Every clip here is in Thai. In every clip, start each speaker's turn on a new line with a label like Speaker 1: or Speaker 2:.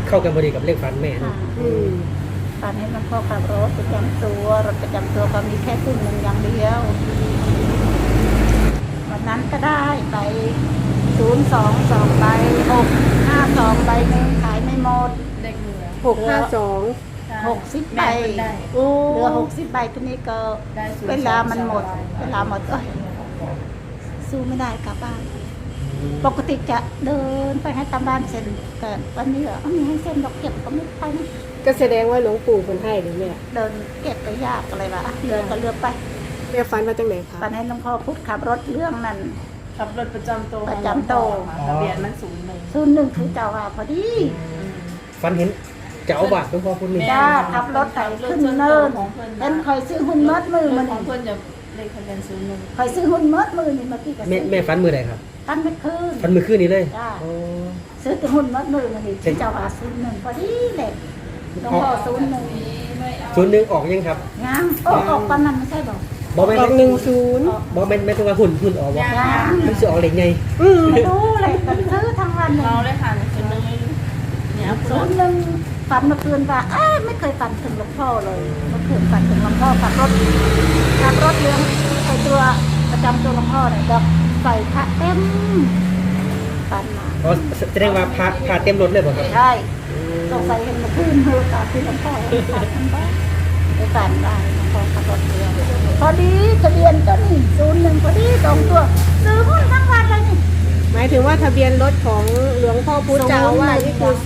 Speaker 1: เข้ากันพอดีกับเลขฝันแม่นะ
Speaker 2: ฝันให้หลวงพ่อขับรถประจำตัวรถประจำตัวก็มีแค่ครึ่งหนึ่งอย่างเดียววันนั้นก็ได้ไป022ใบ652ใบนึงขายไม่หมด
Speaker 3: เด็กเหลือ
Speaker 4: 652
Speaker 2: 60ใบ
Speaker 3: ได้
Speaker 4: โอ้
Speaker 2: เหลือ60ใบทีนี้ก็เวลามันหมดเวลาหมดสู้ไม่ได้กลับบ้านปกติจะเดินไปให้ตามบ้านเซ็นแต่วันนี้มีให้เซ็นดอกเก็บก็ไม่ไปนะ
Speaker 4: ก็แสดงว่าหลวงปู่เพิ่นให้หรือแม่
Speaker 2: เดินเก็บก็ยากอะไรวะเรือก็เรือไป
Speaker 4: แม่ฝันว่าจังไหนคะ
Speaker 2: ฝันให้หลวงพ่อพุทธขับรถเรื่องนั้น
Speaker 3: ขับรถประจำตัว
Speaker 2: ประจำตัว
Speaker 3: ทะเบียนมัน01
Speaker 2: 01คือเจ้าว่าพอดี
Speaker 1: ฝันเห็นเจ้าบาทหลวงพ่อพูดนี่
Speaker 2: จ้าขับรถไถขึ้นเนินเป็นคอยซื้อหุ้นมัดมือ
Speaker 3: มั
Speaker 2: มัน น
Speaker 3: ของเพื่อนจะเลขทะเบียน01
Speaker 2: คอยซื้อหุ้นมัดมือนี่เมื่อกี้ก็
Speaker 1: แม่ฝันมือใดครับ
Speaker 2: ตั้งไม่คืน
Speaker 1: ฝันมือคืนนี้เลย
Speaker 2: จ้า
Speaker 1: โอ้
Speaker 2: ซื้อแต่หุ้นมัดมือมันนี่เจ้าว่า01พอดีเลยหลวงพ่อ01
Speaker 1: 01ออกยังครับ
Speaker 2: ยังออกตอนนั้นไม่ใช่บอก
Speaker 1: บอแม่น
Speaker 4: ออก10
Speaker 1: บอแม่นไม่ต้องว่าหุ่นออกวะ
Speaker 2: ยัง
Speaker 1: มันจะออกเหล็กไง
Speaker 2: ไม่รู้เลยแต่ซื้อทั้งวันเลย
Speaker 3: เราเลยค่ะ01เนี่ย
Speaker 2: 01ฝันเมื่อคืนว่าไม่เคยฝันถึงหลวงพ่อเลยเมื่อคืนฝันถึงหลวงพ่อขับรถเลี้ยงไอตัวประจำตัวหลวงพ่อเนี่ยดอกใส่พระเต็มฝันมา
Speaker 1: อ๋อแสดงว่าพาเต็มรถเลยบ่ครับ
Speaker 2: ใช่สงสัยเห็นเมื่อคืนเธอตาที่หลวงพ่อฝันมันบ้าไปฝันได้หลวงพ่อขับรถเลี้ยงพอดีทะเบียนก็นี่01พอดี2ตัวซื้อหุ้นทั้งวันเลยนี่
Speaker 4: หมายถึงว่าทะเบียนรถของหลวงพ่อพุทธเจ้าอาว่าสนี่คือ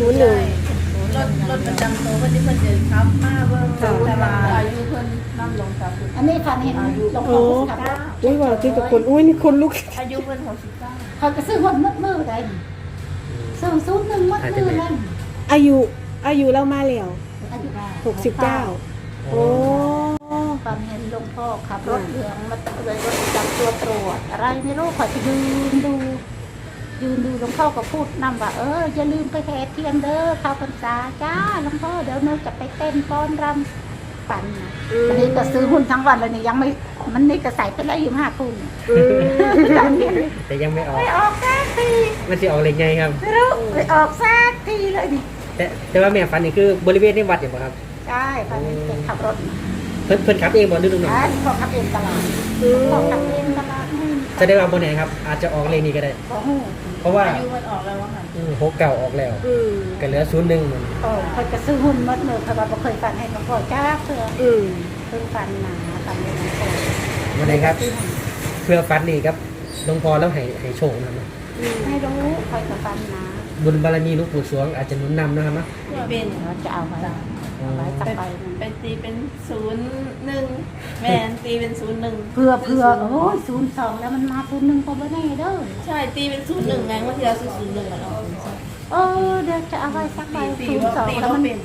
Speaker 4: 01
Speaker 3: รถประจำตัวเพื่อนที่เพื่อนจะขับมาเบิ่งแต่ว่าอายุเพื่อนน้ำลงกับ
Speaker 2: อันนี้ฝันเห็นหลวงพ่อขับรถ
Speaker 4: อุ้ยว่าที่กับคนอุ้ยนี่คนลุก
Speaker 3: อายุเพื่อน69
Speaker 2: เขาก็ซื้อหุ้นมัดมือได้ซื้อ01มัดมือนั่น
Speaker 4: อายุเรามาแล้ว
Speaker 2: อายุ
Speaker 4: 69โอ้
Speaker 2: ฝันเห็นหลวงพ่อขับรถเหลืองมาเลยรถประจำตัวตรวจอะไรไม่รู้ขอจะยืนดูหลวงพ่อก็พูดนำว่าอย่าลืมไปแห่เทียนเด้อเข้าพรรษาจ้าหลวงพ่อเดี๋ยวหนูจะไปเต้นฟ้อนรำฝันนะอันนี้ก็ซื้อหุ้นทั้งวันเลยนี่ยังไม่มันนี่ก็ใส่ไปแล้ว25 คุณ
Speaker 1: แต่ยังไม่ออก
Speaker 2: ไม่ออกสักที
Speaker 1: มันจะออกเหล็กไงครับ
Speaker 2: ไม่รู้ไม่ออกสักทีเลยดิ
Speaker 1: แต่ว่าแม่ฝันนี่คือบริเวณในวัดอย่างบ่ครับ
Speaker 2: ใช่ฝันเห็นแกขับรถ
Speaker 1: เพิ่นขับเองบ่หรือลุงหน่อย
Speaker 2: พ่อขับเองตลอดพ่อขับเองตลอดนี่
Speaker 1: แสดงว่าบ่แน่ครับอาจจะออกเลขนี้ก็ได้
Speaker 2: โอ้โห
Speaker 1: เพราะว่า
Speaker 3: อายุมันออกแล้วว่าค่ะ
Speaker 1: 69ออกแล้วก็เหลือ01มัน
Speaker 2: เขาจะซื้อหุ้นมัดมือเพราะว่าบ่เคยฝันให้หลวงพ่อจ้าเพื่อเพิ่งฝันหนาฝันให้หลวงพ่อ
Speaker 1: วันไหนครับ เพื่อฝันนี่ครับหลวงพ่อแล้วให้โชคนะครับ
Speaker 2: ไม่รู้คอยจะฝันหนา
Speaker 1: บุญบารมีหลวงปู่สวงอาจจะหนุนนำนะครับเนาะ
Speaker 3: เป็น
Speaker 2: เราจะเอาไว้สักใบหนึ่ง
Speaker 3: ไปตีเป็น01แม่นตีเป็น01
Speaker 2: เพื่อโอ้ย02แล้วมันมา01ก็บ่แน่เด้อ
Speaker 3: ใช่ตีเป็น01ไงบางทีเราซื้อ01กันเอา
Speaker 2: เดี๋ยวจะเอาไว้สักใบ
Speaker 3: ตี
Speaker 2: 02แล้ว
Speaker 3: ว่า
Speaker 2: มัน
Speaker 3: เป็น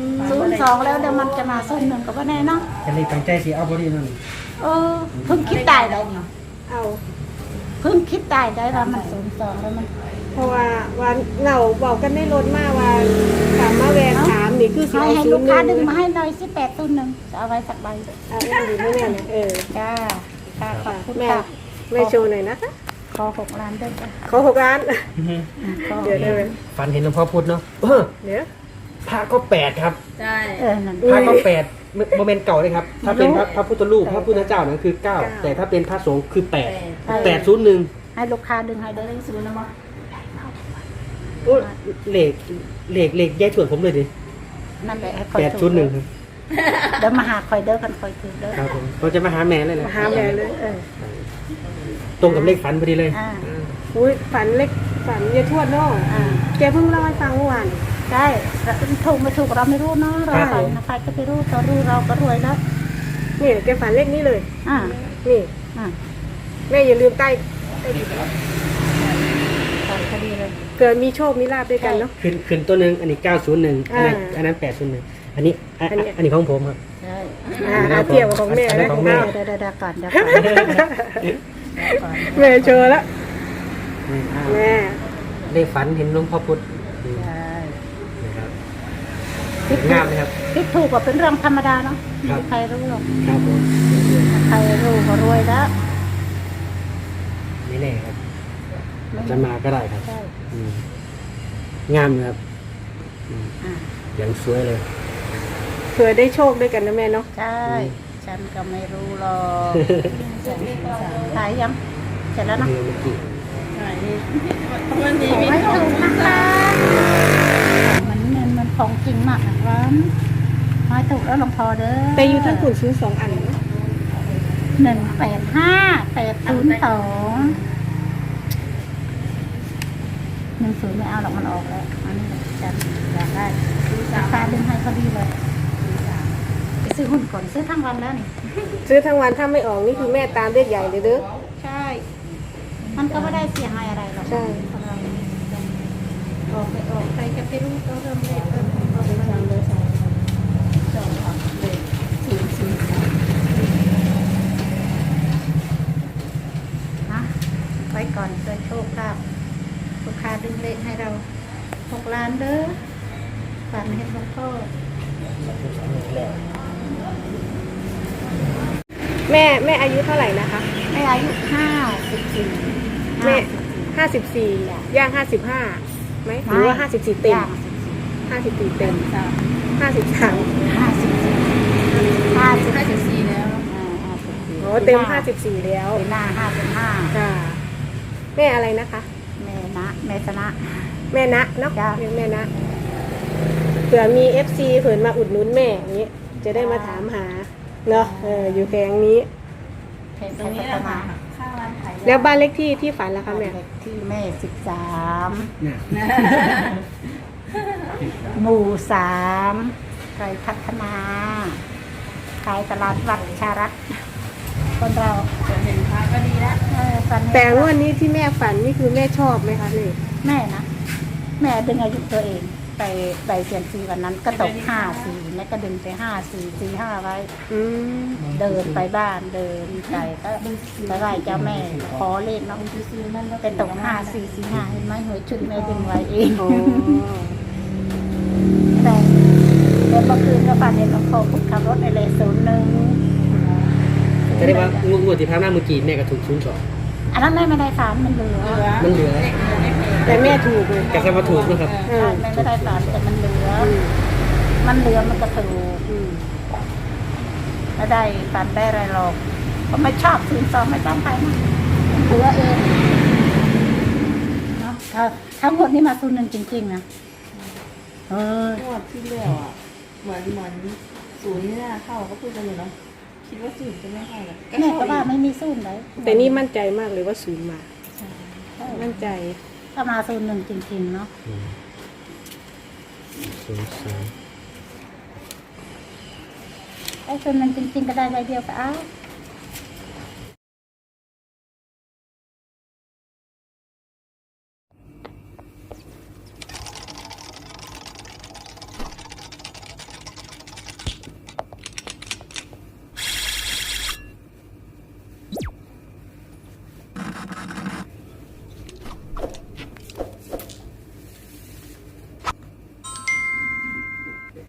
Speaker 2: 02แล้วเดี๋ยวมันจะมา01ก็บ่แน่เนาะ
Speaker 1: จะเลยตั้งใจสิเอาบ่ดีนั่น
Speaker 2: เพิ่งคิดได้นี่
Speaker 4: เอา
Speaker 2: เพิ่งคิดได้ว่ามัน02แล้วมัน
Speaker 4: เพราะว่าวันเหงาบอกกันได้รถมาว่าถามมาแวะถามนี่คือสิ
Speaker 2: ให้
Speaker 4: เอา
Speaker 2: ลูกค้าดึง
Speaker 4: 01
Speaker 2: มาให้หน่อย1801จะเอาไว้สักใบ
Speaker 4: เอาดีไม่แน่นะ
Speaker 2: จ้าขอบคุณ
Speaker 4: แม่
Speaker 2: ค่ะ
Speaker 4: แม่โชว์หน่อยนะคะ
Speaker 2: ขอ6 ล้านด้วยจ้ะ
Speaker 4: ขอ6 ล้าน เดี๋ยวได้ไหม
Speaker 1: ฝันเห็นหลวงพ่อพุธเนาะ
Speaker 4: เดี๋ยว
Speaker 1: พระก็8ครับ
Speaker 3: ใช่
Speaker 2: นั่น
Speaker 1: พระก็8โมเมนต์เก่าเลยครับ ถ้าเป็นพระพุทธรูปพระพุทธเจ้านั่นคือ9แต่ถ้าเป็นพระสงฆ์คือ801
Speaker 2: ให้ลูกค้าดึงให้ได้ซื้อนะมั้ง
Speaker 1: โอ้เลขแยกส่วนผมเลยดิ
Speaker 2: นั่นแหละให้คอย
Speaker 1: 801ครับ
Speaker 2: เดี๋ยวมาหาคอยเด้อกันคอยถือเด้อ
Speaker 1: ครับผมเราจะมาหาแม่เลยแหละ
Speaker 4: มาหาแม่เลย
Speaker 1: ตรงกับเลขฝันพอดีเลย
Speaker 4: อุ้ยฝันเล็กฝันยายทวดเนาะแกเพิ่งเล่าให้ฟังเมื่อวาน
Speaker 2: ใช่ถูกไม่ถูกเราไม่รู้เนาะเราฝันนะใครก็ไม่รู้เรารู้เราก็รวยแล้ว
Speaker 4: นี่แกฝันเลขนี้เลย นี่
Speaker 2: อ่า
Speaker 4: แม่อย่าลืมใต้
Speaker 2: ฝันพอดีเลย
Speaker 4: เกิดมีโชคมีลาบด้วยกันเนาะ
Speaker 1: ขึ้นตัวหนึ่งอันนี้901อันนั้น801อันนี้ของผมครับ
Speaker 2: ใช่
Speaker 4: เทียบกับของแม่
Speaker 1: อันนั้
Speaker 4: นะ
Speaker 1: นของแม่
Speaker 2: เดี๋ยวก่อน
Speaker 4: แม่โชว์แล้วแม่
Speaker 1: เลขฝันเห็นหลวงพ่อพุธ
Speaker 2: ใช่
Speaker 1: นะครับงามไหมครับ
Speaker 2: คิดถูกก็เป็นเรื่องธรรมดาเนาะ
Speaker 1: ครับ
Speaker 2: ใครรู้หรอก
Speaker 1: ครับผม
Speaker 2: ใครรู้ก็รวยแล้ว
Speaker 1: ไม่แน่ครับจะมาก็ได้ครับ
Speaker 2: ใช่
Speaker 1: งามเลยครับ
Speaker 2: อ่า
Speaker 1: อย่างสวยเลย
Speaker 4: เผื่อได้โชคด้วยกันนะแม่เนาะ
Speaker 2: ใช่ ฉันก็ไม่รู้หรอกถ่ายยังเสร็จแล้วนะ
Speaker 1: เมื่อกี้
Speaker 3: ใช่วันนี้
Speaker 2: ขอ
Speaker 3: มี
Speaker 2: ให้
Speaker 3: ขอ
Speaker 2: ถู
Speaker 3: ง
Speaker 2: กนะคะมันของจริงมากนะครับให้ถูกแล้วหลวงพ่อเด้อ
Speaker 4: แต่อยู่ทั้งขุนซื้อ2 อันนะ
Speaker 2: 185802 10ไม่เอาหรอกมันออกแล้วอันนี้ฉันอยากได้ราคาดึงให้พอดีเลยไปซื้อหุ้นก่อนซื้อทั้งวันแล้วนี่
Speaker 4: ซื้อทั้งวันถ้าไม่ออกนี่คือแม่ตามเลขใหญ่เลยเด้อ
Speaker 2: ใช่ มันก็ไม่ได้เสียหายอะไรหรอก
Speaker 4: ใช่
Speaker 2: ออกไปออกใครจะไปรู้ก็เริ่มเลขเริ่มออกไปทางเลยสองออกเลย4 นะไว้ก่อนโดยโชคลาภลูกค้าดึงเลขให้เรา6 ล้านเด้อฝันเห็นหลวงพ่อ
Speaker 4: แม่อายุเท่าไหร่นะคะ
Speaker 2: แม่อายุ54
Speaker 4: แม่54ย่าง55ไหมหรือว่า54เต็ม
Speaker 2: ย่าง
Speaker 4: 54เต็ม53
Speaker 3: 54แล้ว
Speaker 4: อ๋อเต็ม54แล้ว
Speaker 2: เป็นหน้า55
Speaker 4: ค่ะแม่อะไรนะคะ
Speaker 2: แม่นะแม่ชนะ
Speaker 4: แม่นะเนาะ
Speaker 2: จ้ะ
Speaker 4: เรียกแม่นะเผื่อมี FC เผื่อมาอุดหนุนแม่อย่างนี้จะได้มาถามหาเนาะอยู่แผงนี้
Speaker 2: เพลง
Speaker 3: ตรงนี้
Speaker 2: พั
Speaker 3: แห
Speaker 2: ฒ
Speaker 3: ละ
Speaker 2: นา
Speaker 3: ค่ะข้าวร้านขาย
Speaker 4: แล้วบ้านเลขที่ฝันล่ะคะแม่
Speaker 2: เลขที่แม่13
Speaker 1: เนี่ย
Speaker 2: หมู่3ไกลพัฒนาขายตลาดวัดชารัตน์คนเรา
Speaker 3: จะเห็นพระก็ดีแล้ว
Speaker 2: ฝันเห็น
Speaker 4: แต่งวดนี้ที่แม่ฝันนี่คือแม่ชอบไหมคะเลย
Speaker 2: แม่นะแม่ดึงอายุตัวเองไปเสียงซีวันนั้นก็ตก54แม่ก็ดึงไป5445ไว้
Speaker 4: อืม
Speaker 2: เดินไปบ้านเดินไปก็ไปไหว้เจ้าแม่ขอเลขเนาะแต่ตก5445เห็นไหมหวยชุดแม่ดึงไว้เอง
Speaker 4: อ๋อ
Speaker 2: แต่เมื่อคืนก็ฝันเห็นหลวงพ่อพุทธขับรถไอเลน01
Speaker 1: จะได้ว่างวดที่ผ่านมาเมื่อกี้แม่ก็ถูก02
Speaker 2: อันนั้นแม่ไม่ได้ฝันมันเหลือ
Speaker 1: มันเหลือ
Speaker 4: แต่แม่ถูกเลย
Speaker 1: กระแสว่าถูกนะครับ
Speaker 2: ใช่แม่ไม่ได้ฝันแต่มันเหลือ มันเหลือมันก็ถูก
Speaker 4: อืม
Speaker 2: ไม่ได้ฝันได้อะไรหรอกเพราะไม่ชอบ02ไม่ต้องไปนะมันเหลือเองเนาะถ้าหมดนี้มา01จริงๆนะเออ
Speaker 3: งวดที่แล้วอ่ะเหมือนศูนย์นี่น่าเข้าก็พูดกันอยู่เนาะคิดว่าศูนย์จะไม่เข้าหรอก
Speaker 2: แม่ก็ว่าไม่มีสู้เลย
Speaker 4: แต่นี่มั่นใจมากเลยว่าศูนย์มา มั่นใจ
Speaker 2: ถ้ามา01จริงๆเนาะ
Speaker 1: 03
Speaker 2: ไอ้01จริงๆก็ได้ใบเดียวก็เอา